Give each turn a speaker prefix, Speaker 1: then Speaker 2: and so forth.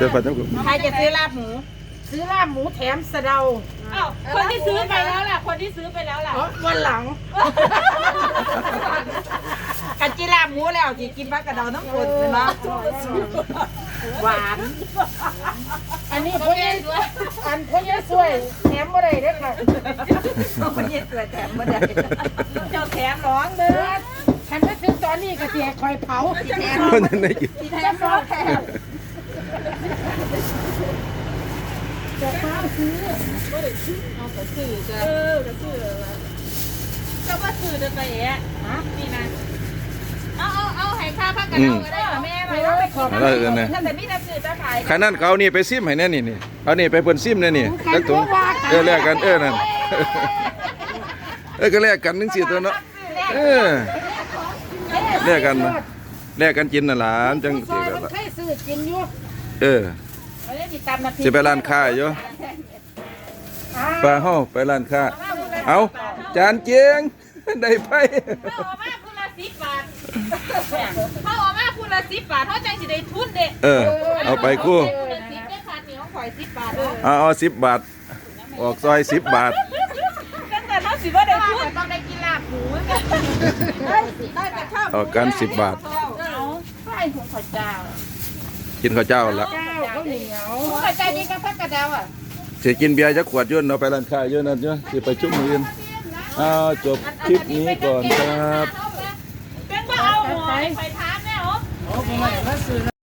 Speaker 1: สื้อผ้าเจ้ากู
Speaker 2: ใครจะซื้อลาบหมูซื้อลาบหมูแถมสะเดา
Speaker 3: คนที่ซื้อไปแล้วล่ะคนที่ซื้อไปแล้วล่ะ
Speaker 2: วันหลังกันจีลาบหมูแล้วจีกินผักกระเดาน้ำฝนเลยนะหวานอันนี้พ่อเย็นอันพ่อเย็นสวยแถมบ่ได้เด้อค่ะพ่อเย็นสวยแถมบ่ได้เจ้าแถมร้องเด้อฉันไปซื้อตอนนี้ก็เสียคอยเผาแถม
Speaker 1: คนนั้นได้กิน
Speaker 2: แถมร้องแถมจะเผาซื้อก็ได้ซื้อเอาก็ซื้อจ้ะก็ซื้อก็ว่าซื้อจะไปแอะนี่นะเอาให้ค่าพักกันเอาก็ได้แม่ไปแล้วไปขอแต่มีแต่ซื้อจะขาย
Speaker 1: ขนาดเขานี่ไปซิมให้แน่นี่เอานี่ไปเพิ่นซิมแน่นี่แล้วถุงแลกกันนั่นก็แลกกันนึงสิตัวเนาะแลกกันกินน่ะหลานจังสิแบบว่า
Speaker 2: ใครซื้อกินอยู่
Speaker 1: สิไปร้านค้าอยู่ไปเฮาไปร้านค้าเอาจานเจียงได้ไป
Speaker 3: เขาออกมาพูละ10 บาทเขาออกมาพูละ10 บาทเขาจังสิได้ทุนเด็
Speaker 1: เอาไปคู่
Speaker 3: 10ได้คันนี้เขาขอย10 บาท
Speaker 1: เอา10 บาทออกซอย10 บาท
Speaker 3: แต่เขาสิว่าได้ทุนต้องได้กินลาบหมู
Speaker 1: ออกกัน10 บาท
Speaker 2: ไส้หัวข้าวเจ้า
Speaker 1: กินข้าวเจ้าแล้ว
Speaker 2: เจ้าข้าวเหนียวหัวข้าวเจ้านี่ก็พักกระเดา
Speaker 1: สิกินเบียร์จักขวดยุ่นเอาไปร้านค้ายุ่นนั่นยุ่นสิไปชุ่มมืออื่นจบคลิปนี้ก่อนครับ
Speaker 3: เป็นว่าเอาหอยไปทานแน่หรอ
Speaker 2: โอ้โหมาซื้อ